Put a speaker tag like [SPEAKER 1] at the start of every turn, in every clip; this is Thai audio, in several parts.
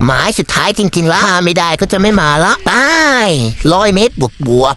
[SPEAKER 1] หมายสุดท้ายจริงๆแล้วถ้าไม่ได้ก็จะไม่มาละไป100 เมตรบวก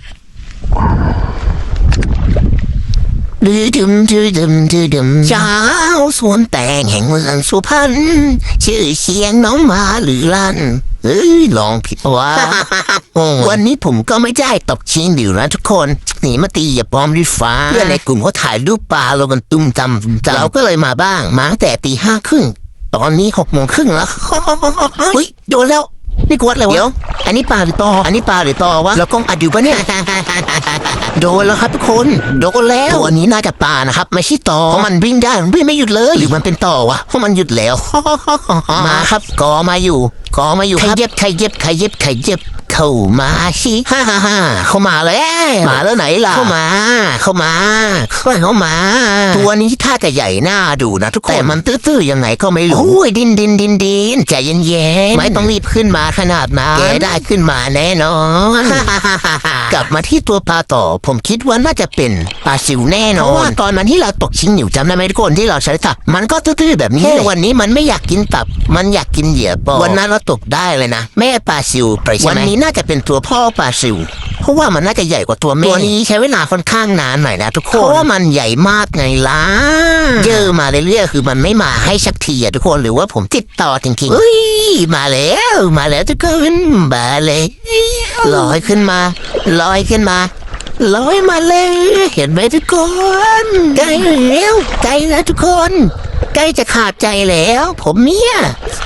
[SPEAKER 1] ดื่มเช้าสวนแตงแห่งเมืองสุพรรณชื่อเสียงน้องมาหรือลั่นลองผิดว่า วันนี้ผมก็ไม่ได้ตบชิงดิวนะทุกคนหนีมาตีอย่าปลอมด้วยฟ้าเพื่อนในกลุ่มเขาถ่ายรูปปลาเรากันตุ้มจำเราก็เลยมาบ้างมาตั้งแต่5:30ตอนนี้6:30แล้วเฮ้ยโดนแล้วนี่กวดเลยวะเดี๋ยวอันนี้ปลาหรือตอวะเรากล้องอัดอยู่ปะเนี่ย โดนแล้วครับทุกคนโดนแล้วตัวนี้น่าจะปลานะครับไม่ใช่ตอเพราะมันวิ่งได้วิ่งไม่หยุดเลยหรือมันเป็นตอวะเพราะมันหยุดแล้ว มาครับกอมาอยู่ใครเย็บเข้ามาสิเข้ามาแล้วไหนล่ะเข้ามาตัวนี้ท่าจะใหญ่หน้าดูนะทุกคนแต่มันตื้อๆยังไงก็ไม่รู้โอ้ยดินใจเย็นๆไม่ต้องรีบขึ้นมาขนาดนั้นแกได้ขึ้นมาแน่นอน กลับมาที่ตัวปลาต่อผมคิดว่าน่าจะเป็นปลาซิวแน่นอนเพราะว่าตอนนั้นที่เราตกชิงหนิวจำได้ไหมทุกคนที่เราใช้ตับมันก็ตื้อๆแบบนี้วันนี้มันไม่อยากกินตับมันอยากกินเหยื่อปอวันนั้นเราตกได้เลยนะแม่ปลาซิวไปใช่ไหมวันนี้น่าจะเป็นตัวพ่อปลาซิวเพราะว่ามันน่าจะใหญ่กว่าตัวแม่ตัวนี้ใช้เวลาค่อนข้างนานหน่อยนะทุกคนเพราะว่ามันใหญ่มากไงล่ะเยอะมาเรื่อยๆคือมันไม่มาให้สักทีอะทุกคนหรือว่าผมติดต่อจริงๆเฮ้ยมาแล้วทุกคนมาเลยลอยขึ้นมาลอยมาเลยเห็นไหมทุกคนใกล้แล้วทุกคนใกล้จะขาดใจแล้วผมเนี่ย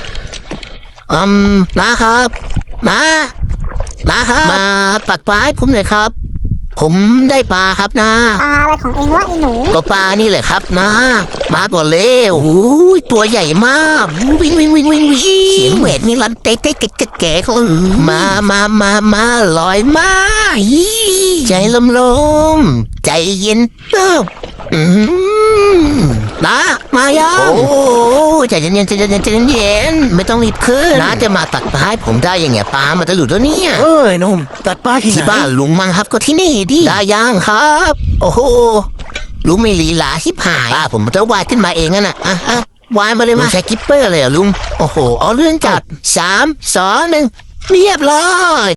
[SPEAKER 1] นะครับมาปักปลาให้ผมหน่อยครับผมได้ปลาครับนะ
[SPEAKER 2] ปลาอะไรของเองวะไอ้หนู
[SPEAKER 1] ก็ปลานี่แหละครับนะมาก่อนเร็วโอ้ยตัวใหญ่มากวิ่งเสียงแหวดนี่รันเต๊ะแก่เขามาลอยมาใจลมใจเย็นนะมายังโอ้ใจเย็นไม่ต้องรีบขึ้นนะจะมาตัดปลาให้ผมได้ยังไงปลามันจะหลุดแล้วเนี่ย
[SPEAKER 3] หนุ่มตัดปลาที่
[SPEAKER 1] บ้านลุงมั้งครับก็ที่นี่ดิได้ยังครับโอ้โหลุงไม่ลีลาชิบหายผมจะวาดขึ้นมาเองน่ะวาดมาเลยมาใช้กิปเปอร์เลยลุงโอ้โหเอาเรื่องจัด3 2 1เรียบร้อย